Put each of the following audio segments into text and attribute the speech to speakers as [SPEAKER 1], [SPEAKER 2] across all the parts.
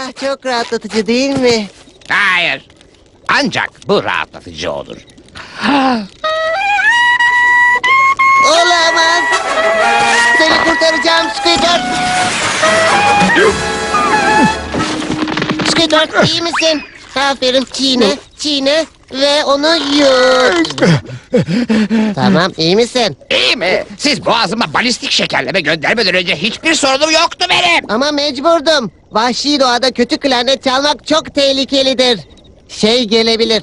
[SPEAKER 1] Çok rahatlatıcı değil mi?
[SPEAKER 2] Hayır. Ancak bu rahatlatıcı olur.
[SPEAKER 1] Olamaz. Seni kurtaracağım Squidward. Squidward iyi misin? Aferin, çiğne, çiğne ve onu yut. Tamam, iyi misin?
[SPEAKER 2] İyi mi? Siz boğazıma balistik şekerleme göndermeden önce hiçbir sorunum yoktu benim.
[SPEAKER 1] Ama mecburdum. Vahşi doğada kötü klarnet çalmak çok tehlikelidir. Şey gelebilir.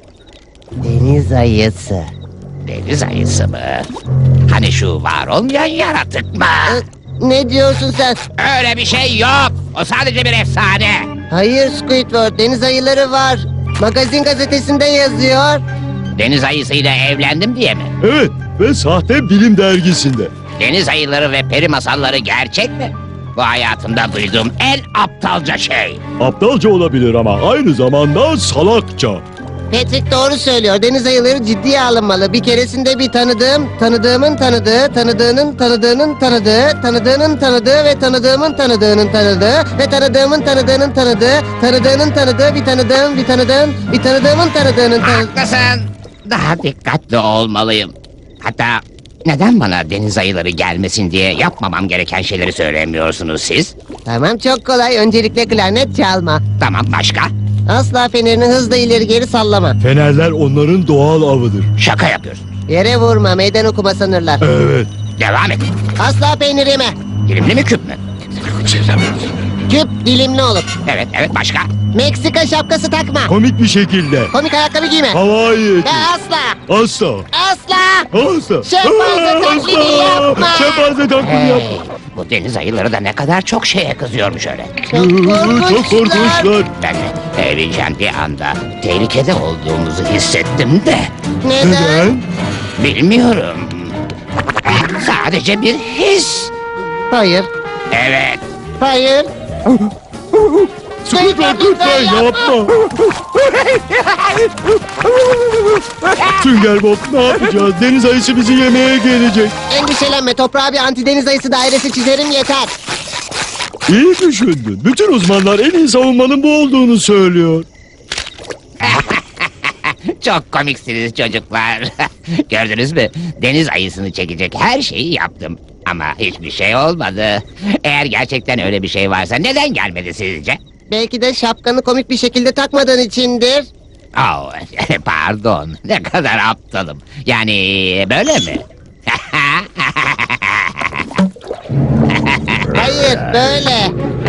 [SPEAKER 1] Deniz ayısı.
[SPEAKER 2] Deniz ayısı mı? Hani şu var olmayan yaratık mı?
[SPEAKER 1] Ne diyorsun sen?
[SPEAKER 2] Öyle bir şey yok. O sadece bir efsane.
[SPEAKER 1] Hayır Squidward, deniz ayıları var. Magazin gazetesinde yazıyor.
[SPEAKER 2] Deniz ayısıyla evlendim diye mi?
[SPEAKER 3] Evet ve sahte bilim dergisinde.
[SPEAKER 2] Deniz ayıları ve peri masalları gerçek mi? Bu hayatımda duyduğum en aptalca şey.
[SPEAKER 3] Aptalca olabilir ama aynı zamanda salakça.
[SPEAKER 1] Patrick doğru söylüyor. Deniz ayıları ciddiye alınmalı. Bir keresinde bir tanıdığımın tanıdığı, tanıdığının tanıdığının tanıdığı, tanıdığının tanıdığı ve tanıdığımın tanıdığının tanıdığı ve tanıdığımın tanıdığının tanıdığı, tanıdığının tanıdığı bir tanıdığımın tanıdığının tanıdığı.
[SPEAKER 2] Haklısın. Daha dikkatli olmalıyım. Hatta neden bana deniz ayıları gelmesin diye yapmamam gereken şeyleri söylemiyorsunuz siz?
[SPEAKER 1] Tamam, çok kolay. Öncelikle klarnet çalma.
[SPEAKER 2] Tamam, başka?
[SPEAKER 1] Asla fenerini hızla ileri geri sallama.
[SPEAKER 3] Fenerler onların doğal avıdır.
[SPEAKER 2] Şaka yapıyorsun.
[SPEAKER 1] Yere vurma, meydan okuma sanırlar.
[SPEAKER 3] Evet.
[SPEAKER 2] Devam et.
[SPEAKER 1] Asla peynir yeme.
[SPEAKER 2] Dilimli mi küp mü?
[SPEAKER 1] Küp dilimli olur.
[SPEAKER 2] Evet, başka?
[SPEAKER 1] Meksika şapkası takma.
[SPEAKER 3] Komik bir şekilde.
[SPEAKER 1] Komik ayakkabı giyme.
[SPEAKER 3] Havai eti.
[SPEAKER 1] Ve asla,
[SPEAKER 3] Asla.
[SPEAKER 1] asla.
[SPEAKER 3] Asla.
[SPEAKER 1] Şempanze taklidi yapma.
[SPEAKER 3] Şempanze taklidi
[SPEAKER 2] Hey,
[SPEAKER 3] yapma.
[SPEAKER 2] bu deniz ayıları da ne kadar çok şeye kızıyormuş öyle.
[SPEAKER 3] Çok korkunçlar.
[SPEAKER 2] Ben evleneceğim bir anda tehlikede olduğumuzu hissettim de.
[SPEAKER 1] Neden?
[SPEAKER 3] Neden?
[SPEAKER 2] Bilmiyorum. Sadece bir his.
[SPEAKER 1] Hayır,
[SPEAKER 2] Evet.
[SPEAKER 1] hayır.
[SPEAKER 3] Squidward lütfen yapma. Sünger Bob ne yapacağız? Deniz ayısı bizi yemeye gelecek.
[SPEAKER 1] Endişelenme, toprağa bir antideniz ayısı dairesi çizerim yeter.
[SPEAKER 3] İyi düşündün. Bütün uzmanlar en iyi savunmanın bu olduğunu söylüyor.
[SPEAKER 2] Çok komiksiniz çocuklar. Gördünüz mü? Deniz ayısını çekecek her şeyi yaptım. Ama hiçbir şey olmadı. Eğer gerçekten öyle bir şey varsa neden gelmedi sizce?
[SPEAKER 1] Belki de şapkanı komik bir şekilde takmadığın içindir.
[SPEAKER 2] Oh, pardon. Ne kadar aptalım. Yani böyle mi?
[SPEAKER 1] Hayır, böyle.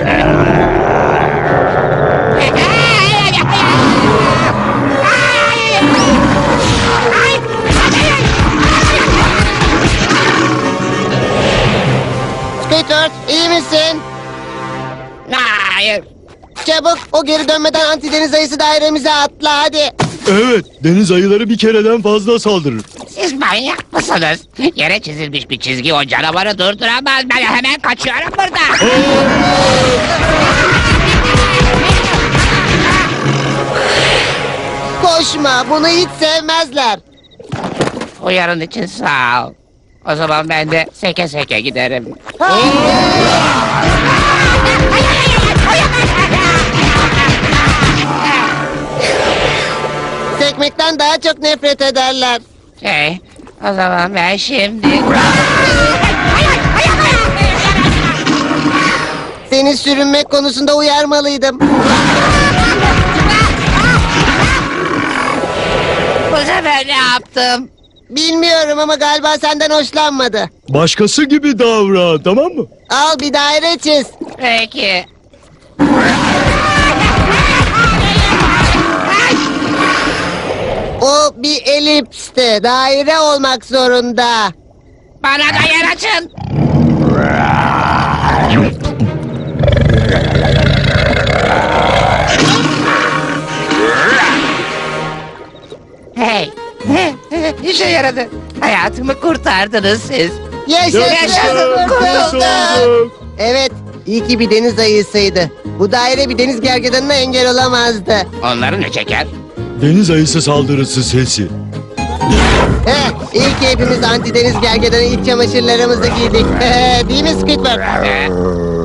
[SPEAKER 1] Squidward, iyi misin?
[SPEAKER 2] Hayır.
[SPEAKER 1] Çabuk, o geri dönmeden antideniz ayısı dairemize atla hadi.
[SPEAKER 3] Evet, deniz ayıları bir kereden fazla saldırır.
[SPEAKER 2] Siz manyak mısınız? Yere çizilmiş bir çizgi o canavarı durduramaz. Ben hemen kaçıyorum burada.
[SPEAKER 1] Koşma, bunu hiç sevmezler.
[SPEAKER 2] Uyarın için sağ ol. O zaman ben de seke seke giderim.
[SPEAKER 1] Sekmekten daha çok nefret ederler.
[SPEAKER 2] O zaman ben şimdi...
[SPEAKER 1] Seni sürünmek konusunda uyarmalıydım.
[SPEAKER 2] Bu sefer ne yaptım?
[SPEAKER 1] Bilmiyorum ama galiba senden hoşlanmadı.
[SPEAKER 3] Başkası gibi davran, tamam mı?
[SPEAKER 1] Al bir daire çiz.
[SPEAKER 2] Peki.
[SPEAKER 1] O bir elipsti. Daire olmak zorunda.
[SPEAKER 2] Bana da yer açın. Hey. İşe yaradı. Hayatımı kurtardınız siz.
[SPEAKER 1] Yaşasın, kurtulduk.
[SPEAKER 3] Kurtulduk.
[SPEAKER 1] Evet, iyi ki bir deniz ayısıydı. Bu daire bir deniz gergedanına engel olamazdı.
[SPEAKER 2] Onları ne çeker?
[SPEAKER 3] Deniz ayısı saldırısı sesi.
[SPEAKER 1] İyi ki hepimiz antideniz gergedanı iç çamaşırlarımızı giydik. Değil mi Squidward?